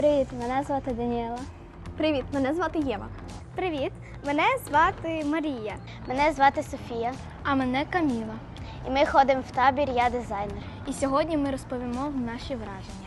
Привіт, мене звати Даніела. Привіт, мене звати Єва. Привіт, мене звати Марія. Мене звати Софія. А мене Каміла. І ми ходимо в табір «Я дизайнер». І сьогодні ми розповімо наші враження.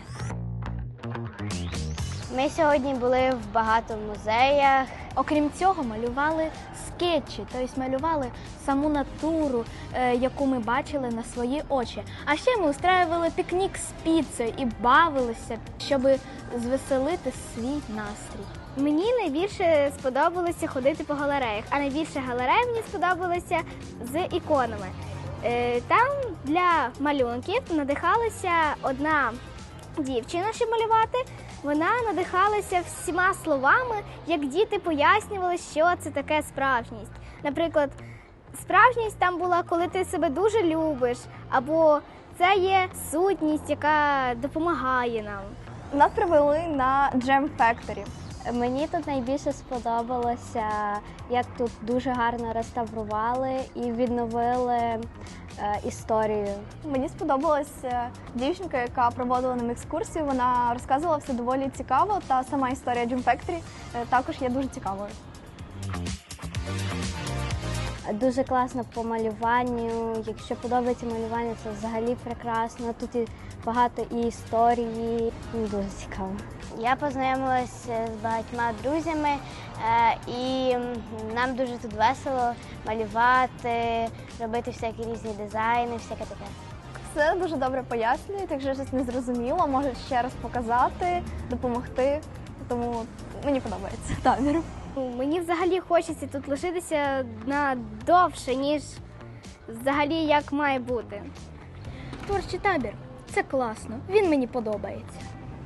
Ми сьогодні були в багато музеях. Окрім цього, малювали скетчі, тобто малювали саму натуру, яку ми бачили на свої очі. А ще ми устраювали пікнік з піцею і бавилися, щоб звеселити свій настрій. Мені найбільше сподобалося ходити по галереях, а найбільше галерей мені сподобалося з іконами. Там для малюнків надихалася одна дівчина, щоб малювати. Вона надихалася всіма словами, як діти пояснювали, що це таке справжність. Наприклад, справжність там була, коли ти себе дуже любиш, або це є сутність, яка допомагає нам. Нас привели на Jam Factory. Мені тут найбільше сподобалося, як тут дуже гарно реставрували і відновили історію. Мені сподобалася дівчинка, яка проводила нам екскурсію. Вона розказувала все доволі цікаво, та сама історія Jam Factory також є дуже цікавою. Дуже класно по малюванню. Якщо подобається малювання, це взагалі прекрасно. Тут і багато і історії. Дуже цікаво. Я познайомилася з багатьма друзями, і нам дуже тут весело малювати, робити всякі різні дизайни, всяке таке. Все дуже добре пояснюють, якщо щось не зрозуміло, можуть ще раз показати, допомогти. Тому мені подобається табір. Мені взагалі хочеться тут лишитися на довше, ніж взагалі як має бути. Творчий табір – це класно, він мені подобається.